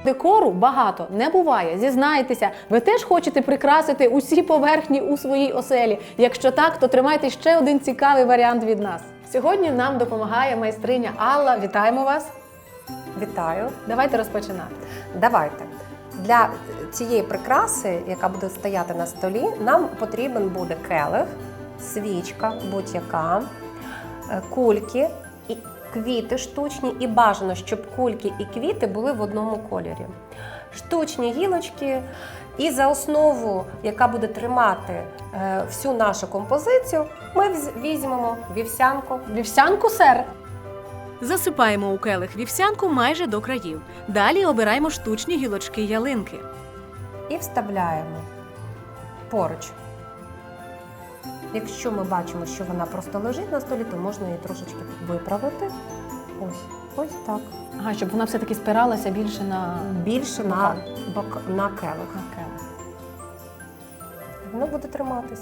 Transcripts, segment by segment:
Декору багато не буває, зізнайтеся. Ви теж хочете прикрасити усі поверхні у своїй оселі? Якщо так, то тримайте ще один цікавий варіант від нас. Сьогодні нам допомагає майстриня Алла. Вітаємо вас! Вітаю. Давайте розпочинати. Давайте. Для цієї прикраси, яка буде стояти на столі, нам потрібен буде келих, свічка будь-яка, кульки, і квіти штучні, і бажано, щоб кульки і квіти були в одному кольорі. Штучні гілочки, і за основу, яка буде тримати всю нашу композицію, ми візьмемо вівсянку. Вівсянку, сер? Засипаємо у келих вівсянку майже до країв. Далі обираємо штучні гілочки ялинки. І вставляємо поруч. Якщо ми бачимо, що вона просто лежить на столі, то можна її трошечки виправити. Ось так. Ага, щоб вона все-таки спиралася більше на... Більше на келих. Воно буде триматись.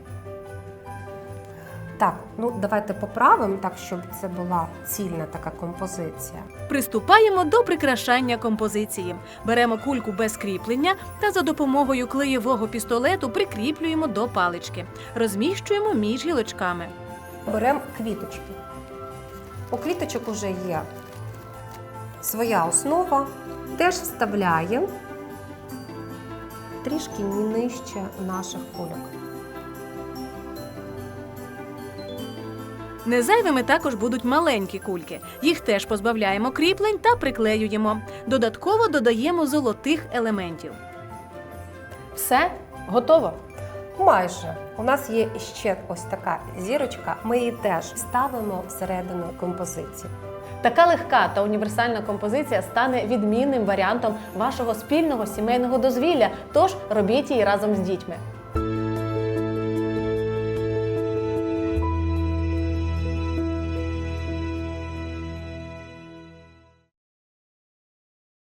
Так, давайте поправимо так, щоб це була цільна така композиція. Приступаємо до прикрашання композиції. Беремо кульку без кріплення та за допомогою клеєвого пістолету прикріплюємо до палички. Розміщуємо між гілочками. Беремо квіточки. У квіточок вже є своя основа. Теж вставляємо трішки нижче наших кульок. Незайвими також будуть маленькі кульки. Їх теж позбавляємо кріплень та приклеюємо. Додатково додаємо золотих елементів. Все? Готово? Майже. У нас є ще ось така зірочка. Ми її теж ставимо всередину композиції. Така легка та універсальна композиція стане відмінним варіантом вашого спільного сімейного дозвілля, тож робіть її разом з дітьми.